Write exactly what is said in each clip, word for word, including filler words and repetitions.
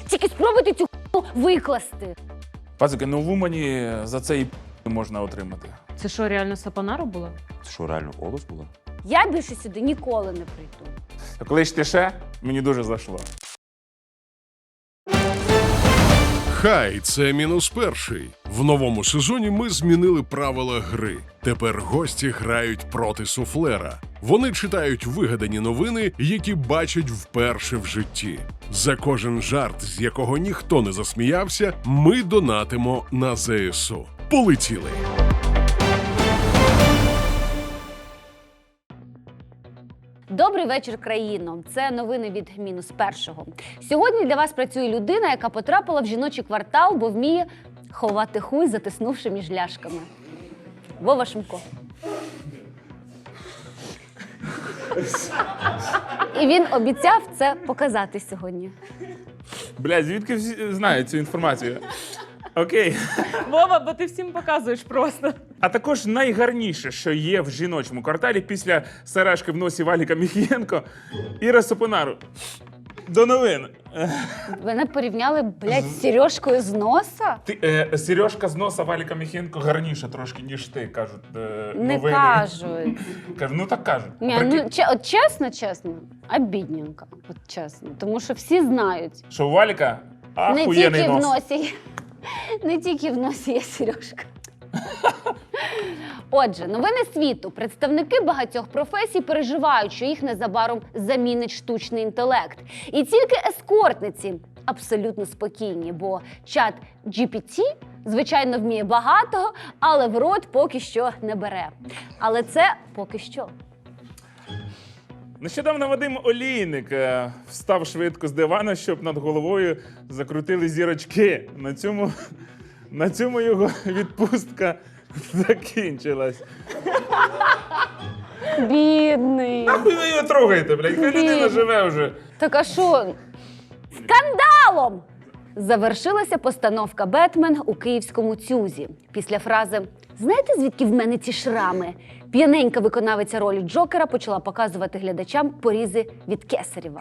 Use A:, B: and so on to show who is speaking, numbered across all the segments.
A: Тільки спробуйте цю хуйню викласти.
B: Пацики, ну в Умані за це і п*** можна отримати.
C: Це що, реально Сапонару була?
D: Це що, реально Олос була?
A: Я більше сюди ніколи не прийду.
B: А коли ж ти ще, мені дуже зайшло.
E: Хай, це мінус перший. В новому сезоні ми змінили правила гри. Тепер гості грають проти суфлера. Вони читають вигадані новини, які бачать вперше в житті. За кожен жарт, з якого ніхто не засміявся, ми донатимо на зе ес у. Полетіли!
A: Добрий вечір, країно. Це новини від мінус першого. Сьогодні для вас працює людина, яка потрапила в жіночий квартал, бо вміє ховати хуй, затиснувши між ляшками. Вова Шумко. І він обіцяв це показати сьогодні.
B: Бля, звідки всі знають цю інформацію? Окей.
C: Вова, бо ти всім показуєш просто.
B: А також найгарніше, що є в жіночому кварталі після сережки в носі Валіка Міхієнко, Іра Сапонару. До новин.
A: Мене порівняли, блядь, з сережкою з носа?
B: Ти, е, сережка з носа Валіка Міхієнко гарніша трошки, ніж ти, кажуть е,
A: Не
B: новини.
A: кажуть.
B: Кажу, ну так кажуть.
A: Ні,
B: Прикинь,
A: ну, че- от чесно, чесно, обідненько, от чесно. Тому що всі знають.
B: що у Валіка
A: Не
B: ахуєнний
A: тільки в
B: нос.
A: носі, не тільки в носі є сережка. Отже, новини світу. Представники багатьох професій переживають, що їх незабаром замінить штучний інтелект. І тільки ескортниці абсолютно спокійні, бо чат джі пі ті, звичайно, вміє багато, але в рот поки що не бере. Але це поки що.
B: Нещодавно Вадим Олійник е, встав швидко з дивана, щоб над головою закрутили зірочки. На цьому, на цьому його відпустка закінчилась.
A: Бідний.
B: Нахуй ви його трогаєте, блядь? Хай людина живе вже.
A: Так а що? Скандалом! Завершилася постановка «Бетмен» у київському ЦЮЗі. Після фрази «Знаєте, звідки в мене ці шрами?» п'яненька виконавиця ролі Джокера почала показувати глядачам порізи від Кесарєва.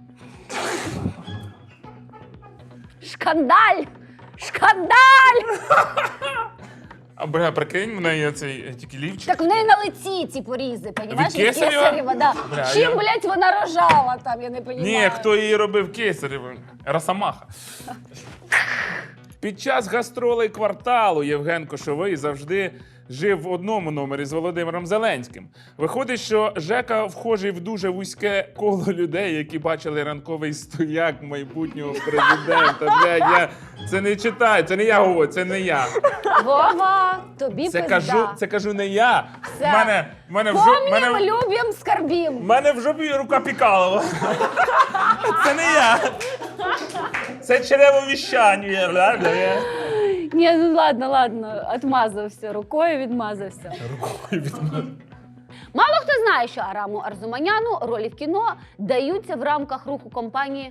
A: Шкандаль! Шкандаль!
B: А бля, прикинь, в неї цей тільки лівчик.
A: Так в неї на лиці ці порізи, понімаєш?
B: Від Кесарєва?
A: да.
B: Бля,
A: Чим,
B: я-
A: блядь, вона рожала там, я не розумію.
B: Ні, хто її робив Кесарєвим? Росомаха. Під час гастролей кварталу Євген Кошовий завжди жив в одному номері з Володимиром Зеленським. Виходить, що Жека вхожий в дуже вузьке коло людей, які бачили ранковий стояк майбутнього президента. Блядь, я це не читаю, це не я говорю, це не я.
A: Вова, тобі
B: Це
A: пизда.
B: кажу, це кажу не я. В
A: Все.
B: мене, в мене в жо- в
A: Помнім,
B: мене,
A: любим, скорбім.
B: в мене в жопі рука Пікалова. Це не я. Це черевовіщання. бля, бля.
A: Ні, ну ладно, ладно, відмазався, рукою відмазався.
B: Рукою відмазав.
A: Мало хто знає, що Араму Арзуманяну ролі в кіно даються в рамках руху компанії.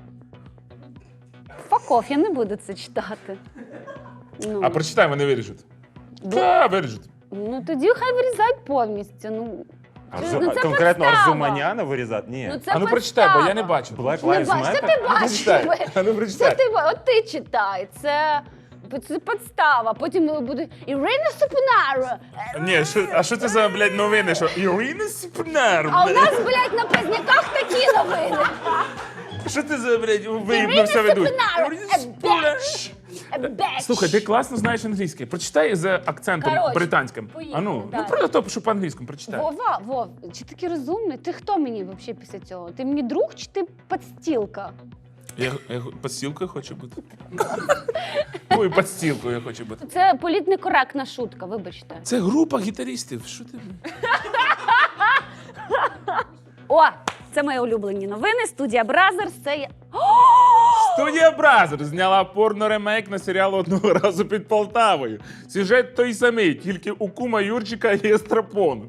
A: Факов, я не буду це читати. Ну,
B: А прочитай, вони виріжуть. Да, виріжуть.
A: ну тоді хай вирізають повністю. Ну,
D: Арзу...
A: ну, це
D: Конкретно
A: підстава.
D: Арзуманяна вирізати? Ні.
A: Ну, це
B: А ну прочитай, бо я не
A: підстава.
B: бачу.
D: Black
A: Не
D: Lives
A: бач, це
D: Matter?
A: ти бачиш.
B: Прочитай. А ну
A: Це
B: прочитай.
A: ти, ба- от ти читай, це, це підстава. Потім буде Ірина Сапонару.
B: Ні, що, а що це за, блядь, новини? Що Ірина Сіпнар,
A: А у
B: блядь?
A: нас, блядь, на праздниках такі новини.
B: Що ти за, блядь, виїбно
A: Ірина
B: все ведуть?
A: Сапонару,
B: Ірина
A: a
B: Сіпнар.
A: bitch. A bitch.
B: Слухай, ти класно знаєш англійський. Прочитай з акцентом
A: Коротше,
B: британським.
A: поїхали
B: А ну,
A: далі.
B: ну про то, що по-англійському прочитай.
A: Вова, Вов, чи такий розумний? Ти хто мені взагалі після цього? Ти мені друг чи ти підстілка?
B: Я, я підстілкою хочу бути. Ой, підстілкою я хочу бути.
A: Це політнекоректна шутка, вибачте.
B: Це група гітаристів. Що ти?
A: О, це мої улюблені новини. Студія Бразерс. Це є.
B: Студія Бразер зняла порно-ремейк на серіал «Одного разу під Полтавою». Сюжет той самий, тільки у кума Юрчика є страпон.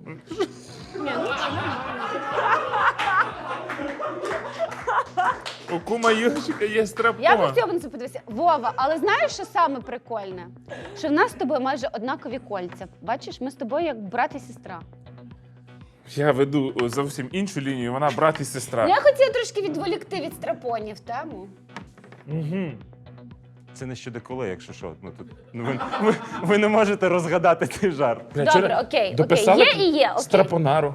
B: У кума Юрчика є страпон.
A: Я б цього не подивився. Вова, але знаєш, що саме прикольне? Що в нас з тобою майже однакові кольця. Бачиш, ми з тобою як брат і сестра.
B: Я веду зовсім іншу лінію, вона брат і сестра.
A: Ну, я хотіла трошки відволікти від страпонів тему.
B: Угу.
D: Це не щодо коли, якщо що. Ну, тут, ну, ви, ви, ви не можете розгадати цей жарт.
A: Добре, окей,
B: Дописали
A: окей. Є і є, окей.
B: Страпонару.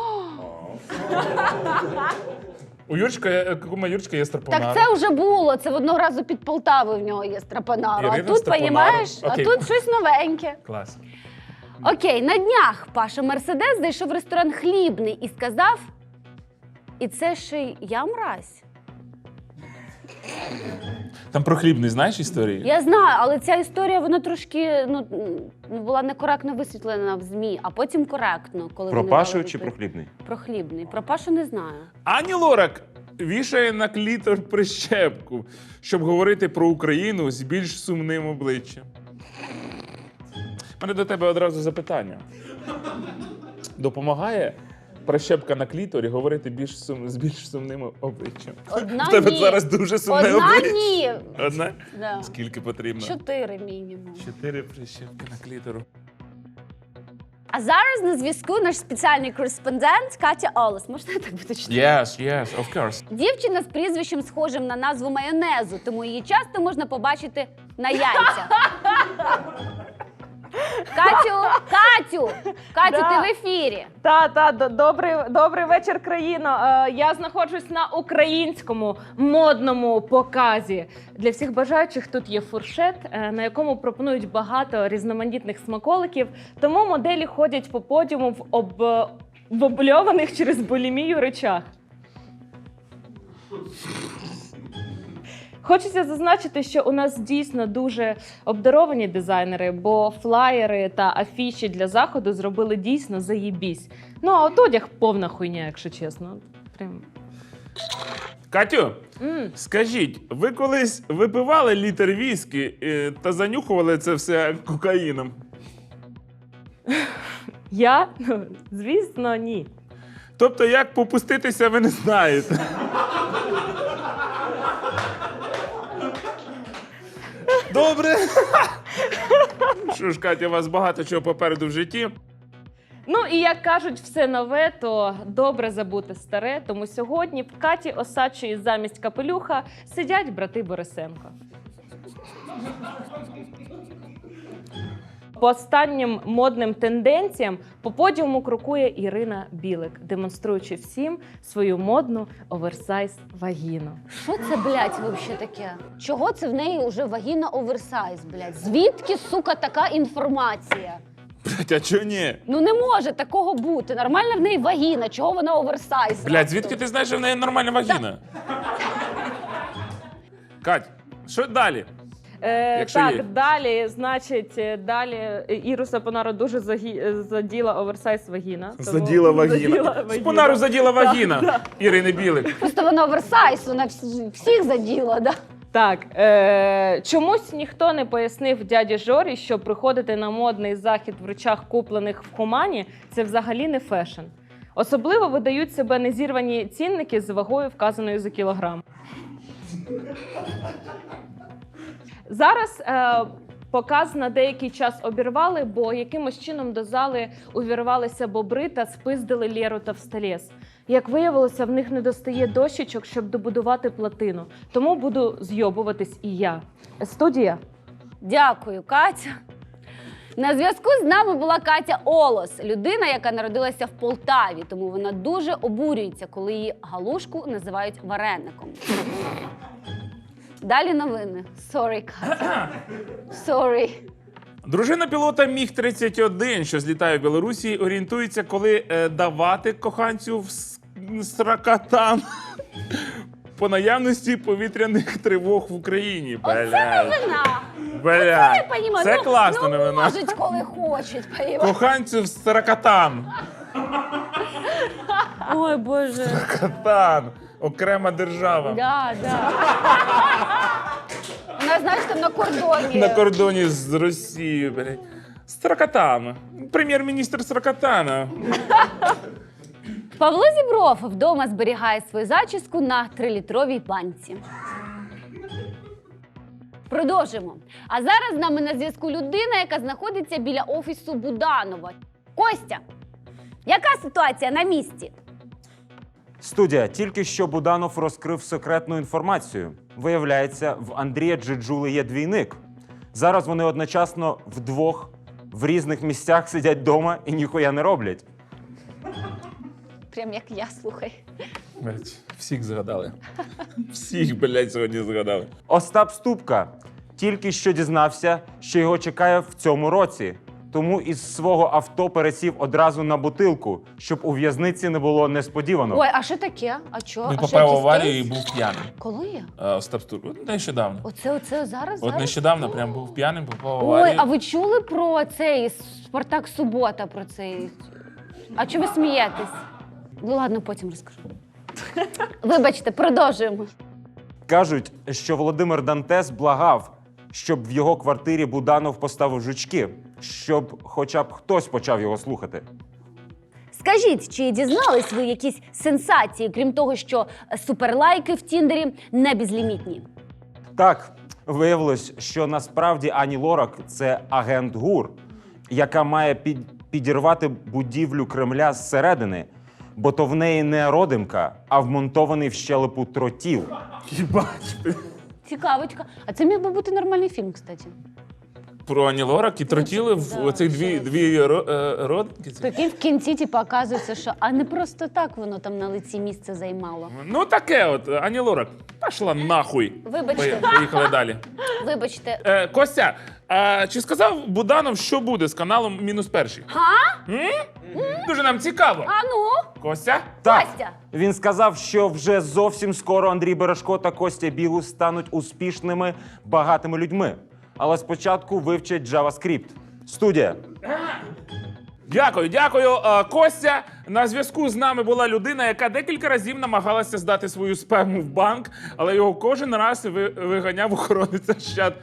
B: У Юрчика, є- у кума Юрчика є страпонара.
A: Так це вже було. Це в одного разу під Полтавою в нього є страпонару. А
B: Ірина
A: тут,
B: Страпонару.
A: понімаєш, а
B: Окей.
A: тут щось новеньке.
B: Клас.
A: Окей, на днях Паша Мерседес зайшов в ресторан «Хлібний» і сказав: і це ще й я мразь.
B: Там про хлібний знаєш історії?
A: Я знаю, але ця історія, вона трошки ну, ну, була некоректно висвітлена в ЗМІ, а потім коректно. Коли
D: Про
A: вони
D: Пашу
A: дали
D: чи про
A: відповідь.
D: хлібний?
A: Про «Хлібний». Про Пашу не знаю.
B: Ані Лорак вішає на клітор прищепку, щоб говорити про Україну з більш сумним обличчям. У мене до тебе одразу запитання. Допомагає прищепка на кліторі говорити більш сум... з більш сумним обличчям?
A: Одна
B: У тебе
A: ні.
B: зараз дуже сумне
A: Одна
B: обличчя.
A: ні.
B: Одна?
A: Да.
B: Скільки потрібно?
A: Чотири мінімум.
B: Чотири прищепки на клітору.
A: А зараз на зв'язку наш спеціальний кореспондент Катя Олес. Можна я так буду читати?
B: Yes, yes, of course.
A: Дівчина з прізвищем схожим на назву майонезу, тому її часто можна побачити на яйцях. Катю, Катю, Катю,
C: Да.
A: ти в ефірі.
C: Та, та, д- добрий, добрий вечір, країно. Е, Я знаходжусь на українському модному показі. Для всіх бажаючих тут є фуршет, е, на якому пропонують багато різноманітних смаколиків. Тому моделі ходять по подіуму в, об... в обльованих через булімію речах. Хочеться зазначити, що у нас дійсно дуже обдаровані дизайнери, бо флаєри та афіші для заходу зробили дійсно заєбісь. Ну, а от одяг повна хуйня, якщо чесно. Прям.
B: Катю,
C: М.
B: скажіть, ви колись випивали літр віскі е, та занюхували це все кокаїном?
C: Я? Ну, звісно, ні.
B: Тобто, як попуститися, ви не знаєте. Добре. Що ж, Катя, у вас багато чого попереду в житті.
C: Ну і як кажуть, все нове, то добре забути старе. Тому сьогодні в Каті Осадчої замість капелюха сидять брати Борисенко. По останнім модним тенденціям по подіуму крокує Ірина Білик, демонструючи всім свою модну оверсайз вагіну.
A: Що це, блядь, вообще таке? Чого це в неї вже вагіна оверсайз, блядь? Звідки, сука, така інформація?
B: Блять, а чого ні?
A: Ну не може такого бути. Нормальна в неї вагіна, чого вона оверсайз?
B: Блять, звідки ти знаєш, що в неї нормальна вагіна? Кать, що далі?
C: Е,
B: Якщо
C: так,
B: є.
C: далі, значить, е, далі е, Іру Сапонару дуже загі... е, заділа оверсайз вагіна. тому-
B: Заділа вагіна.
C: Заділа вагіна.
B: Спонару заділа
C: Так,
B: вагіна.
C: так.
B: Ірини Білик.
A: Просто вона оверсайз, вона всі- всіх заділа, да?
C: Так, е, чомусь ніхто не пояснив дяді Жорі, що приходити на модний захід в речах, куплених в Хумані, це взагалі не фешн. Особливо видають себе незірвані цінники з вагою, вказаною за кілограм. Зараз е, показ на деякий час обірвали, бо якимось чином до зали увірвалися бобри та спиздили Лєру та Всталєс. Як виявилося, в них не достає дощечок, щоб добудувати платину. Тому буду зйобуватись і я. Студія.
A: Дякую, Катя. На зв'язку з нами була Катя Олос, людина, яка народилася в Полтаві, тому вона дуже обурюється, коли її галушку називають вареником. Далі новини. Sorry, Катя. Sorry.
B: Дружина пілота Міг тридцять один, що злітає в Білорусі, орієнтується, коли е, давати коханцю в с- сракатан по наявності повітряних тривог в Україні.
A: Оце
B: Блядь.
A: новина.
B: Блядь.
A: Я понімаю.
B: Це
A: ну,
B: класна
A: ну,
B: новина.
A: можуть, коли хочуть, понімаєш?
B: Коханцю в сракатан.
C: Ой, Боже.
B: Катан. Окрема держава.
A: Да, да. Вона, знаєш, там на кордоні.
B: На кордоні з Росією. блядь. Сракатан. Прем'єр-міністр Сракатана.
A: Павло Зібров вдома зберігає свою зачіску на трилітровій банці. Продовжимо. А зараз з нами на зв'язку людина, яка знаходиться біля офісу Буданова. Костя, яка ситуація на місці?
D: Студія. Тільки що Буданов розкрив секретну інформацію. Виявляється, в Андрія Джиджули є двійник. Зараз вони одночасно вдвох в різних місцях сидять вдома і ніхуя не роблять.
A: Прям як я, слухай.
B: Блядь, всіх згадали. Всіх, блядь, сьогодні згадали.
D: Остап Ступка тільки що дізнався, що його чекає в цьому році. Тому із свого авто пересів одразу на бутилку, щоб у в'язниці не було несподівано.
A: Ой, а що таке? А чо?
B: Він
A: а що,
B: попав в
A: якийсь
B: аварію і
A: кейс?
B: був п'яним.
A: Коли?
B: Е, Остап Ступка. От нещодавно.
A: Оце, оце зараз?
B: От
A: зараз?
B: нещодавно прям був п'яним, попав в
A: Ой,
B: аварію.
A: а ви чули про цей Спартак Субота, про цей? А чого ви смієтесь? Ну ладно, потім розкажу. Вибачте, продовжуємо.
D: Кажуть, що Володимир Дантес благав, щоб в його квартирі Буданов поставив жучки, щоб хоча б хтось почав його слухати.
A: Скажіть, чи дізнались ви якісь сенсації, крім того, що суперлайки в Тіндері не безлімітні?
D: Так, виявилось, що насправді Ані Лорак – це агент ГУР, яка має під, підірвати будівлю Кремля зсередини, бо то в неї не родимка, а вмонтований в щелепу тротіл.
B: Їбать.
A: Цікавочка. А це міг би бути нормальний фільм, кстати.
B: Про Ані Лорак і тротіли в
A: Да,
B: оцих дві,
A: щось.
B: дві ро- е, родинки. ці.
A: Прикинь, в кінці, типу, оказується, що а не просто так воно там на лиці місце займало.
B: Ну таке от, Ані Лорак. Пішла нахуй.
A: Вибачте.
B: Пої- Поїхали далі.
A: Вибачте.
B: Е, Костя, а чи сказав Буданов, що буде з каналом «Мінус перший»?
A: Га?
B: М? Дуже нам цікаво.
A: А ну?
B: Костя?
D: Так,
A: Костя!
D: він сказав, що вже зовсім скоро Андрій Бережко та Костя Бігус стануть успішними, багатими людьми. Але спочатку вивчать JavaScript. Студія.
B: Дякую, дякую. Е, Костя, на зв'язку з нами була людина, яка декілька разів намагалася здати свою спему в банк, але його кожен раз ви- виганяв охоронець Ощад...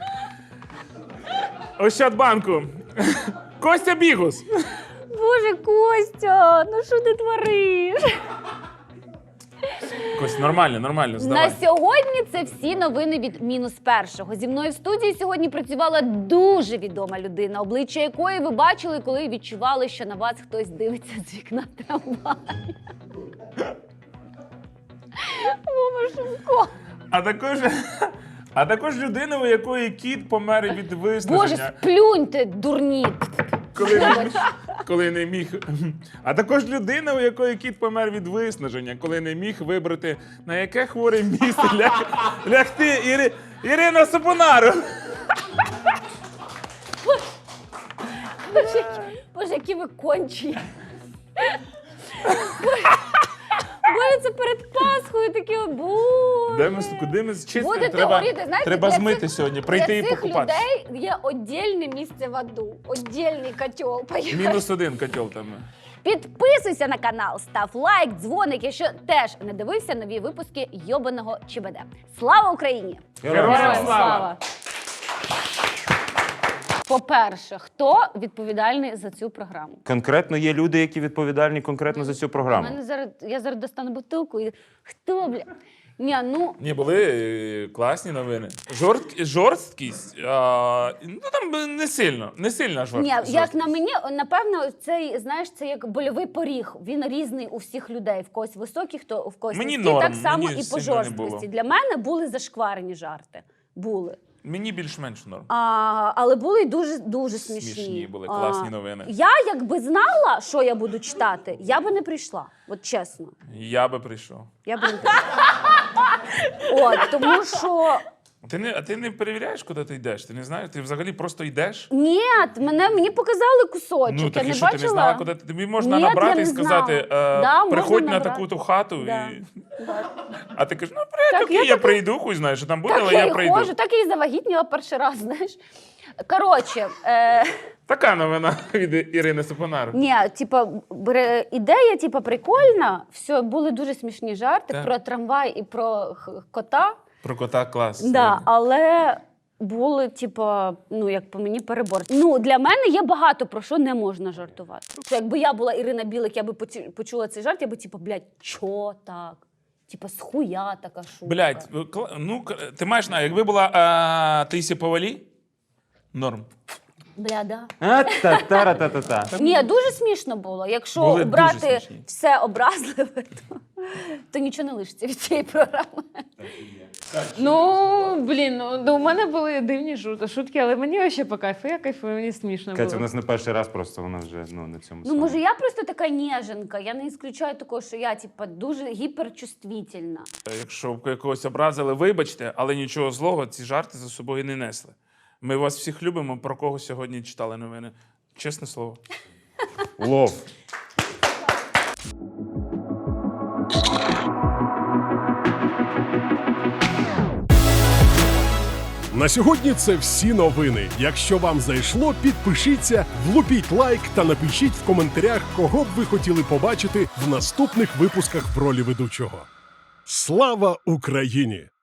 B: Ощадбанку. Костя Бігус.
A: Боже, Костя, ну що ти твориш?
B: Костя, нормально, нормально, здавай.
A: На сьогодні це всі новини від мінус першого. Зі мною в студії сьогодні працювала дуже відома людина, обличчя якої ви бачили, коли відчували, що на вас хтось дивиться з вікна трамваю. Вова Шумко.
B: А також, а також людина, у якої кіт помер від
A: Боже,
B: виснаження,
A: сплюньте, дурні.
B: коли не, коли не міг. А також людина, у якої кіт помер від виснаження, коли не міг вибрати, на яке хворе місце ляг, лягти Іри, Ірина Сапонару.
A: Боже, які- Боже, які ви кончі. Боже, це перед Пасхою таке, о, боже.
B: Де ми, куди ми чистимо?
A: Будете
B: Треба,
A: горіти, знаєте,
B: треба
A: для
B: змити
A: цих-
B: сьогодні, прийти і
A: Для цих
B: покупатися.
A: людей є віддільне місце в аду, віддільний котел.
B: Мінус один котел там.
A: Підписуйся на канал, став лайк, дзвоник, якщо теж не дивився нові випуски йобаного ЧБД. Слава Україні!
B: Героям слава!
A: По-перше, хто відповідальний за цю програму?
D: Конкретно є люди, які відповідальні конкретно за цю
A: У
D: програму.
A: мене зараз я зараз достану бутилку і хто, бля? Ні, ну
B: Ні, були е, класні новини. Жорстк, жорсткість, а, ну там не сильно, не сильна
A: ні,
B: жорсткість.
A: як на мені, напевно, цей знаєш, це як больовий поріг. Він різний у всіх людей. В когось високий, хто в когось
B: Мені
A: низький.
B: норм,
A: Так само
B: мені
A: і по
B: сильно не
A: жорсткості.
B: було.
A: Для мене були зашкварені жарти. Були.
B: Мені більш-менш норм.
A: А, але були й дуже дуже смішні.
B: Смішні були,
A: А,
B: класні новини.
A: Я якби знала, що я буду читати, я би не прийшла. От чесно.
B: Я би прийшов.
A: Я б не прийшла. От, тому що
B: Ти не, а ти не перевіряєш, куди ти йдеш? Ти не знаєш? Ти взагалі просто йдеш?
A: ні, мене мені показали кусочок.
B: Ну,
A: я
B: так
A: не
B: і що,
A: бачила.
B: ти не знала, куди ти? Тобі можна
A: Ні, я
B: набрати
A: не
B: і сказати, е,
A: знала. Да, можна
B: приходь на
A: набрати.
B: таку-то хату.
A: Да.
B: І...
A: Да.
B: А ти кажеш, ну, привіт,
A: Так,
B: окей,
A: я
B: я,
A: так-
B: прийду, хуй знаєш, що там буде,
A: Так
B: але
A: я
B: я
A: й
B: прийду.
A: ходжу, так я і завагітніла перший раз, знаєш. Коротше, е,
B: Така новина від Ірини Сапонару.
A: ні, типа, бре- ідея, типа, прикольна. Все, були дуже смішні жарти
B: Так.
A: про трамвай і про х- кота.
B: Про кота клас.
A: Да, але були, типа, ну, як по мені, перебор. Ну, для мене є багато про що не можна жартувати. Що якби я була Ірина Білик, я би поці- почула цей жарт, я би, типа, блядь, чо так? Типа, схуя така шутка.
B: Блядь, кла- ну, к- ти маєш, на, якби була а, Таїсія Повалій, норм.
A: Бля, да.
D: А, та-та-ра-та-та-та.
A: Ні, дуже смішно було. Якщо
B: Були дуже
A: обрати
B: смішні.
A: все образливе, то, то нічого не лишиться від цієї програми.
C: Ну, блін, ну у мене були дивні шут- шутки, але мені ще по кайфу. Я кайфую, мені смішно
D: Катя, у
C: було.
D: нас не перший раз, просто вона вже ну, на цьому
A: Ну,
D: самому.
A: може, я просто така ніженка. Я не ісключаю такого, що я, типа, дуже гіперчувствительна.
B: Якщо б якогось образили, вибачте, але нічого злого ці жарти за собою не несли. Ми вас всіх любимо, про кого сьогодні читали новини. Чесне слово.
D: Лов.
E: На сьогодні це всі новини. Якщо вам зайшло, підпишіться, влупіть лайк та напишіть в коментарях, кого б ви хотіли побачити в наступних випусках в ролі ведучого. Слава Україні!